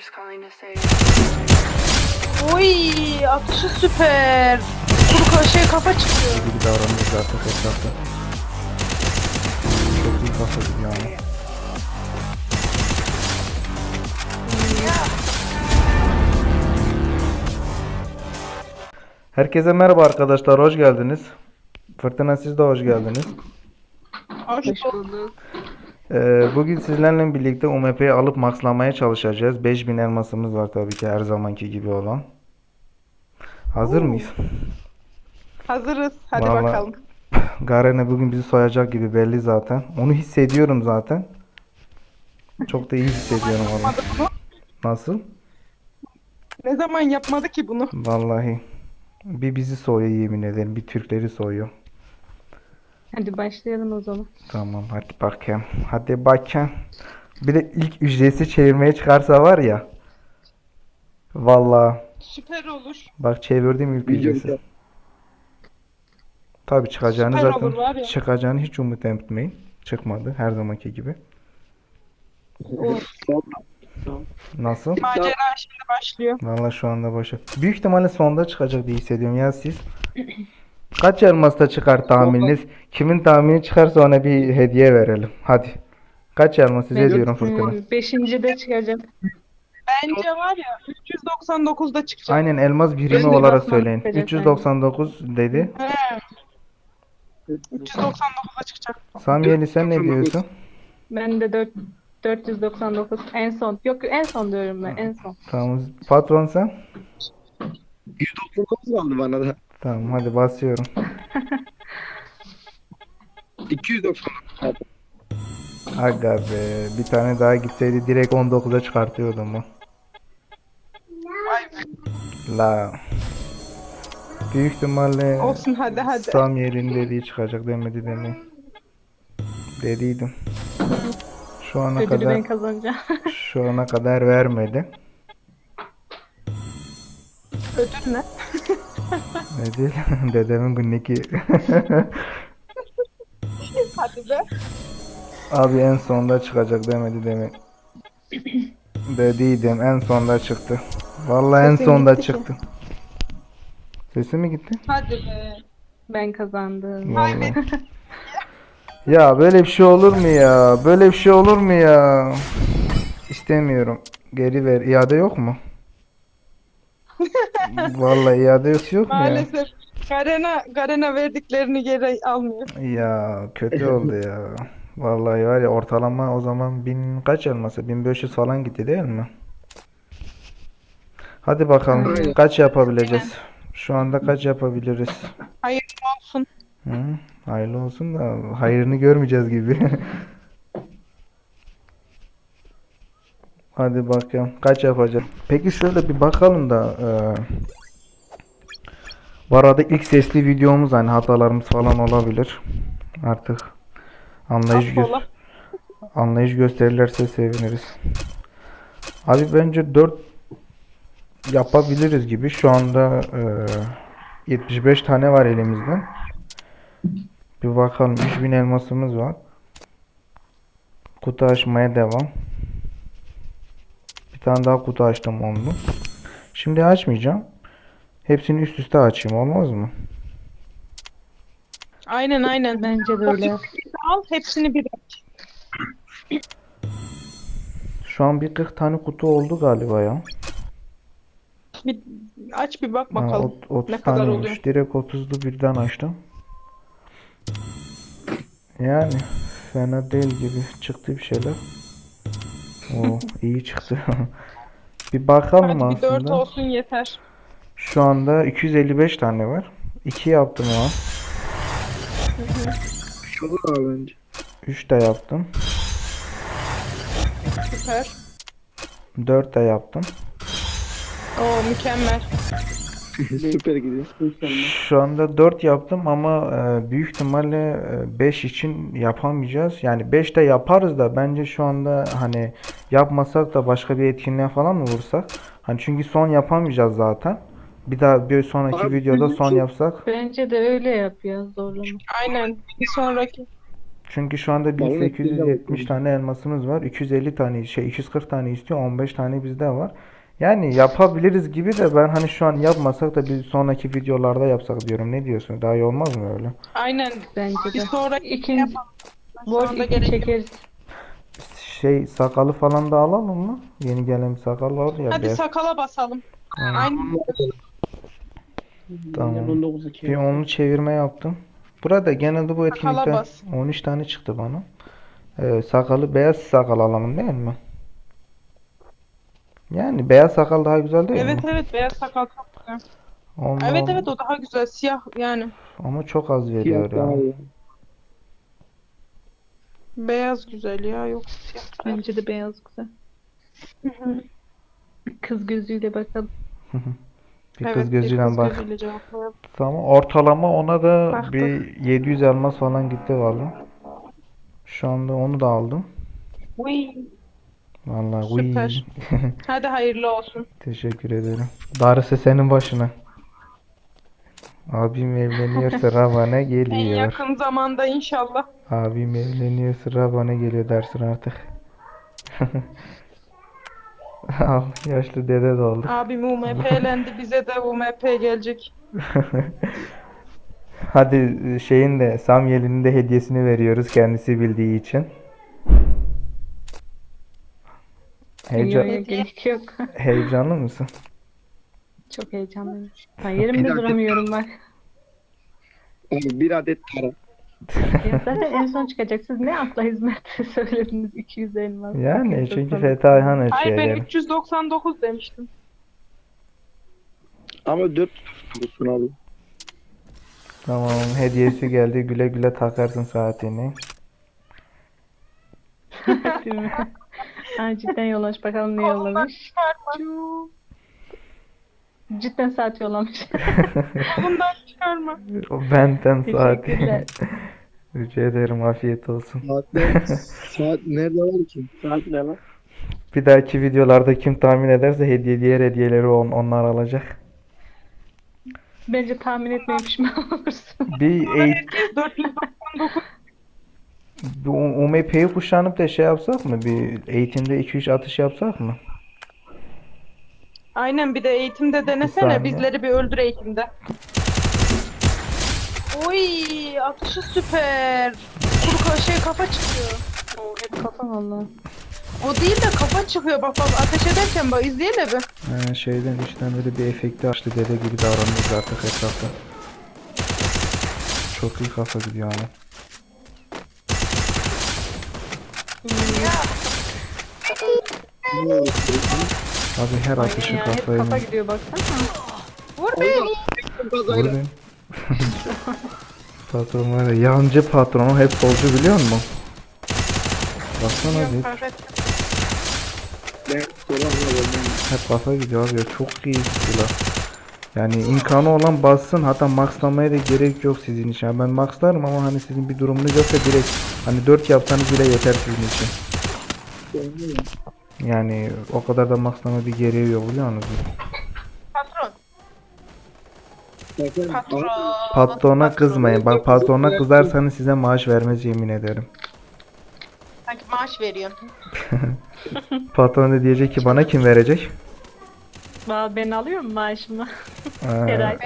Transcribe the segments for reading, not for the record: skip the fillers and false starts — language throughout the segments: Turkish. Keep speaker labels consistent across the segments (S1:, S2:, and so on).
S1: Oy, atışı süper. Kuru kafa çıkıyor.
S2: gibi davranıyor zaten etrafta. Çok iyi kafa gibi yani. Herkese merhaba arkadaşlar, hoş geldiniz. Fırtına, siz de hoş geldiniz.
S1: Hoş bulduk.
S2: Bugün sizlerle birlikte UMP'yi alıp maxlamaya çalışacağız. 5000 elmasımız var tabii ki, her zamanki gibi olan. Hazır mıyız?
S1: Hazırız. Hadi
S2: Vallahi
S1: bakalım.
S2: Garen bugün bizi soyacak gibi belli zaten. Onu hissediyorum zaten. Çok da iyi hissediyorum onu.
S1: Yapmadı bunu.
S2: Nasıl?
S1: Ne zaman yapmadı ki bunu?
S2: Vallahi. Bir bizi soyuyor, yemin ederim. Bir Türkleri soyuyor.
S3: Hadi başlayalım o zaman.
S2: Tamam, hadi bakayım. Hadi bakayım. Bir de ilk ücretsiz çevirmeye çıkarsa var ya. Vallahi.
S1: Süper olur.
S2: Bak, çevirdim ilk ücretsiz. Tabii çıkacağını
S1: Süper
S2: zaten
S1: olur var ya.
S2: çıkacağını hiç umut etmeyin. Çıkmadı her zamanki gibi. Nasıl?
S1: Macera şimdi başlıyor.
S2: Vallahi şu anda boşa. Büyük ihtimalle sonda çıkacak diye hissediyorum ya siz. Kaç elmasta çıkar tahmininiz? Kimin tahmini çıkarsa ona bir hediye verelim. Hadi. Kaç elmas size diyorum Fırtına.
S3: Beşinci de çıkacak.
S1: Bence var ya 399'da çıkacak.
S2: Aynen, elmas birimi
S3: Gözüne
S2: olarak
S3: basmak
S2: söyleyin.
S3: çıkacak,
S2: 399 dedi.
S1: He. 399'da çıkacak.
S2: Samiyeli, sen ne diyorsun?
S3: Ben de 499 en son. Yok, en son diyorum ben, en son.
S2: Tamam. Patron sen?
S4: 199 kaldı bana da.
S2: Tamam, hadi basıyorum.
S4: 299.
S2: Aga be, bir tane daha gitseydi direkt 19'a çıkartıyordum bu.
S1: Vay be.
S2: La. Büyük ihtimalle
S1: Olsun, hadi.
S2: Samiyeli'nin dediği çıkacak demedi demeyin. Dediydim. Şu ana
S3: Ödülü
S2: kadar
S3: ben kazanacağım.
S2: şu ana kadar vermedi.
S1: Ödül ne?
S2: Ne değil? Dedemin günlüğü.
S1: Hadi be.
S2: Abi en sonda çıkacak demedi demin. Dediydim, en sonda çıktı. Vallahi en
S3: Sesin
S2: sonda
S3: gitti ki.
S2: çıktı. Sesi mi gitti?
S1: Hadi be.
S3: Ben kazandım.
S2: Vallahi. Ya böyle bir şey olur mu ya? Böyle bir şey olur mu ya? İstemiyorum. Geri ver. İade yok mu? Vallahi iade yok mu ya?
S1: Maalesef Garen'a verdiklerini geri almıyor.
S2: Ya kötü oldu ya. Vallahi var ya, ortalama o zaman kaç elması? 1500 falan gitti değil mi? Hadi bakalım
S4: Aynen.
S2: kaç yapabileceğiz? Şu anda kaç yapabiliriz?
S1: Hayırlı olsun.
S2: Hı? Hayırlı olsun da hayrını görmeyeceğiz gibi. Hadi bakalım kaç yapacağız? Peki şöyle bir bakalım da bu arada ilk sesli videomuz, hani hatalarımız falan olabilir. Artık
S1: Affola.
S2: anlayış gösterirlerse seviniriz. Abi bence 4 yapabiliriz gibi. Şu anda 75 tane var elimizde. Bir bakalım, 3000 elmasımız var. Kutu açmaya devam. Bir tane daha kutu açtım, onu. Şimdi açmayacağım. Hepsini üst üste açayım, olmaz mı?
S1: Aynen.
S3: Bence de öyle.
S1: Al hepsini bir aç.
S2: Şu an bir 40 tane kutu oldu galiba ya.
S1: Bir aç bir bak
S2: Ha,
S1: bakalım.
S2: 30
S1: Ne kadar
S2: taneymiş.
S1: oluyor?
S2: Direkt 30'lu birden açtım. Yani fena değil gibi çıktı bir şeyler. Oo, iyi çıktı. Bir bakalım
S1: Hadi bir 4
S2: aslında.
S1: olsun yeter.
S2: Şu anda 255 tane var. 2 yaptım o an.
S4: Şu olur abi bence.
S2: 3 de yaptım.
S1: Süper.
S2: 4 de yaptım.
S1: Oo, mükemmel.
S4: Süper gidiyor.
S2: Şu anda 4 yaptım ama büyük ihtimalle 5 için yapamayacağız. Yani 5 de yaparız da bence şu anda hani yapmasak da başka bir etkinliğe falan mı vursak? Hani çünkü son yapamayacağız zaten. Bir daha bir sonraki
S4: Abi,
S2: videoda son yapsak.
S3: Bence de öyle yap ya, zorlama.
S1: Aynen. Bir sonraki.
S2: Çünkü şu anda
S4: Balon
S2: 1870 tane elmasımız var. 250 tane 240 tane istiyor. 15 tane bizde var. Yani yapabiliriz gibi de ben hani şu an yapmasak da bir sonraki videolarda yapsak diyorum. Ne diyorsun? Daha iyi olmaz mı öyle?
S1: Aynen.
S3: Bence
S1: Bir
S3: de.
S1: sonraki
S3: İkinci
S1: yapalım. Şu
S3: Vol
S1: anda
S3: 2
S1: gerek yok.
S3: çekeriz.
S2: Sakalı falan da alalım mı? Yeni gelen bir sakal var ya
S1: Hadi
S2: beyaz.
S1: sakala basalım.
S2: Aynen.
S1: Aynen.
S2: Tamam.
S4: 19 2.
S2: Bir onlu çevirme yaptım. Burada genelde bu
S1: Sakala
S2: etkinlikte
S1: bas.
S2: 13 tane çıktı bana. Sakalı beyaz sakal alalım değil mi? Yani beyaz sakal daha güzel değil mi?
S1: Evet evet beyaz sakal çok güzel.
S2: Onunla
S1: Evet evet o daha güzel. Siyah yani.
S2: ama çok az veriyor
S4: Siyah daha
S2: ya.
S4: iyi.
S1: Beyaz güzel ya. Yok siyah.
S3: Bence de beyaz güzel. Kız gözüyle bakalım.
S2: Bir
S1: Evet
S2: kız
S1: bir
S2: gözüyle
S1: kız
S2: bak.
S1: gözüyle cevaplayalım.
S2: Tamam. Ortalama ona da
S1: Baktık.
S2: bir 700 elmas falan gitti valla. Şu anda onu da aldım.
S1: Uy,
S2: Vallahi
S1: süper.
S2: uy.
S1: Hadi hayırlı olsun.
S2: Teşekkür ederim. Darısı senin başına. Abim evleniyor sıra bana
S1: En
S2: geliyor.
S1: yakın zamanda inşallah.
S2: Abim evleniyor sıra bana geliyor dersin artık. Al yaşlı dede de olduk.
S1: Abim UMP'lendi. Bize de UMP gelecek.
S2: Hadi şeyin de Samyel'in de hediyesini veriyoruz kendisi bildiği için. Heyecan,
S3: Yok, gerek yok.
S2: heyecanlı mısın?
S3: Çok heyecanlıyım. Ben yerimde
S4: dakika.
S3: duramıyorum bak.
S4: Abi bir adet para.
S3: Ya zaten en son çıkacak. Siz ne akla hizmet söylediniz 200 elmas.
S2: Yani
S3: 290.
S2: çünkü Fethi Ayhan
S1: Hayır
S2: ölçüyor
S1: ben
S2: yani.
S1: 399 demiştim.
S4: Ama 4 tutmuşsun abi.
S2: Tamam hediyesi geldi güle güle takarsın saatini.
S3: Değil mi? Ha, cidden yollamış. Bakalım ne yollamış. Cidden saat yollamış.
S1: Bundan çıkarma.
S2: O benden saati.
S3: Teşekkürler.
S2: Rica ederim afiyet olsun.
S4: Saat nerede var ki? Saat ne lan?
S2: Bir dahaki videolarda kim tahmin ederse diğer hediyeleri onlar alacak.
S3: Bence tahmin etmeye pişman olursun.
S2: Bir
S1: Herkes 499.
S2: UMP'yi kuşanıp da şey yapsak mı? Bir eğitimde 2-3 atış yapsak mı?
S1: Aynen bir de eğitimde denesene.
S2: saniye.
S1: Bizleri bir öldür eğitimde. Oy atışı süper. Şey kafa çıkıyor.
S3: Oo, hep kafa valla.
S1: O değil de kafa çıkıyor. Bak bak ateş ederken bak izleyelim bir.
S2: Şeyden içten böyle bir efekti açtı dede gibi davranıyoruz artık etrafta. Çok iyi kafa gidiyor ama. Abi her atışı
S3: Ya hep
S2: kafayı
S3: kafa gidiyor baksana.
S1: Vur beni.
S2: vur beni. Patron var ya yancı patronu hep solcu biliyor musun? Baksana bir
S1: Perfect.
S4: Ben soramıyorum.
S2: hep kafa gidiyor abi ya çok iyi silah. Yani imkanı olan bassın hatta maxlamaya da gerek yok sizin için. Yani ben maxlarım ama hani sizin bir durumunuz yoksa direkt hani 4 yapsanız bile yeter sizin için. Yani o kadar da maxlama bir gereği yok biliyor musunuz?
S1: Patron.
S4: Bakın,
S1: Patron.
S2: Patrona kızmayın. Bak patrona kızarsanız size maaş vermez yemin ederim.
S1: Sanki maaş veriyorsun.
S2: Patron da diyecek ki bana kim verecek?
S3: Valla ben alıyorum maaşımı.
S2: Aa,
S3: Her ay.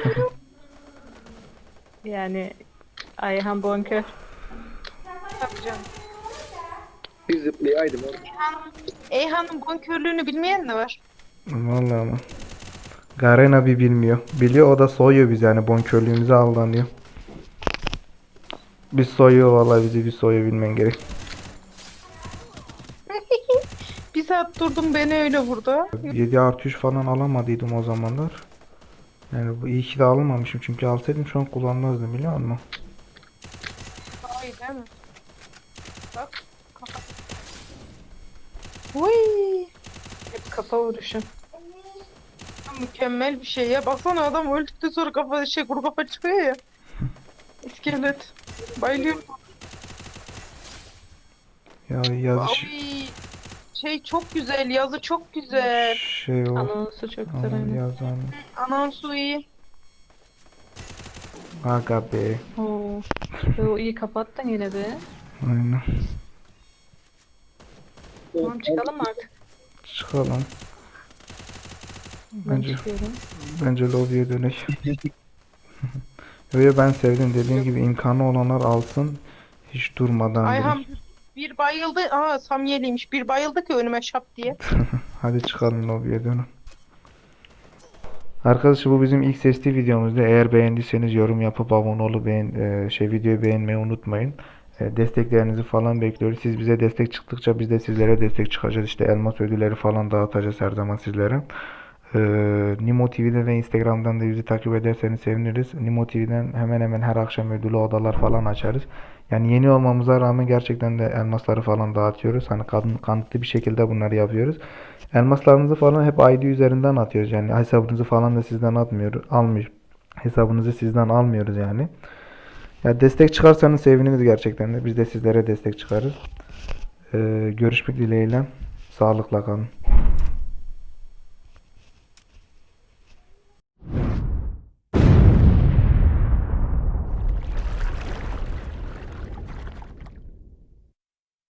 S3: Yani Ayhan Bonkör.
S1: Tabii canım.
S4: bir zıplayaydım abi.
S1: Eyhan'ın bonkörlüğünü bilmeyen de var.
S2: vallahi ama. Garen abi bilmiyor. Biliyor o da soyuyor bizi yani bonkörlüğümüze aldanıyor. Biz soyuyor vallahi bizi bir soyuyor bilmen gerek.
S1: Bir saat durdum beni öyle vurdu.
S2: 7 artı 3 falan alamadıydım o zamanlar. Yani bu iyi ki de almamışım çünkü alsaydım şu an kullanmazdım biliyor musun?
S1: Daha iyi değil mi? Bak. Kafa. Uy.
S3: Hep kafa vuruşu.
S1: Mükemmel bir şey ya. Baksana adam öldükten sonra kafa kuru kafa çıkıyor ya. İskelet. Bayılıyorum.
S2: Ya yazış
S1: Ay. Şey çok güzel. Yazı çok güzel.
S2: şey o.
S3: Anonsu çok güzel.
S2: Ama
S3: aynen.
S2: yazan.
S1: Anonsu iyi.
S2: Aga be.
S3: Oo. O iyi kapattın yine be.
S2: Aynen.
S3: Tamam çıkalım mı artık?
S2: Çıkalım.
S3: Ben
S2: Bence
S3: çıkıyorum.
S2: bence lobiye dönek. Öyle ben sevdim. Dediğim gibi imkanı olanlar alsın. Hiç durmadan
S1: Ayhan
S2: direkt.
S1: bir bayıldı. Aa Samyeli'ymiş. Bir bayıldı ki önüme şap diye.
S2: Hadi çıkalım lobiye dönün. Arkadaşlar bu bizim ilk sesli videomuzdu. Eğer beğendiyseniz yorum yapıp abone olup videoyu beğenmeyi unutmayın. Desteklerinizi falan bekliyoruz. Siz bize destek çıktıkça biz de sizlere destek çıkacağız. İşte elmas ödülleri falan dağıtacağız her zaman sizlere. Nimo TV'de ve Instagram'dan da bizi takip ederseniz seviniriz. Nimo TV'den hemen hemen her akşam ödülü odalar falan açarız. Yani yeni olmamıza rağmen gerçekten de elmasları falan dağıtıyoruz. Hani kanıtlı bir şekilde bunları yapıyoruz. Elmaslarınızı falan hep ID üzerinden atıyoruz. Yani hesabınızı falan da sizden almıyor. Hesabınızı sizden almıyoruz yani. Ya destek çıkarsanız seviniriz gerçekten de. Biz de sizlere destek çıkarız. Görüşmek dileğiyle. Sağlıkla kalın.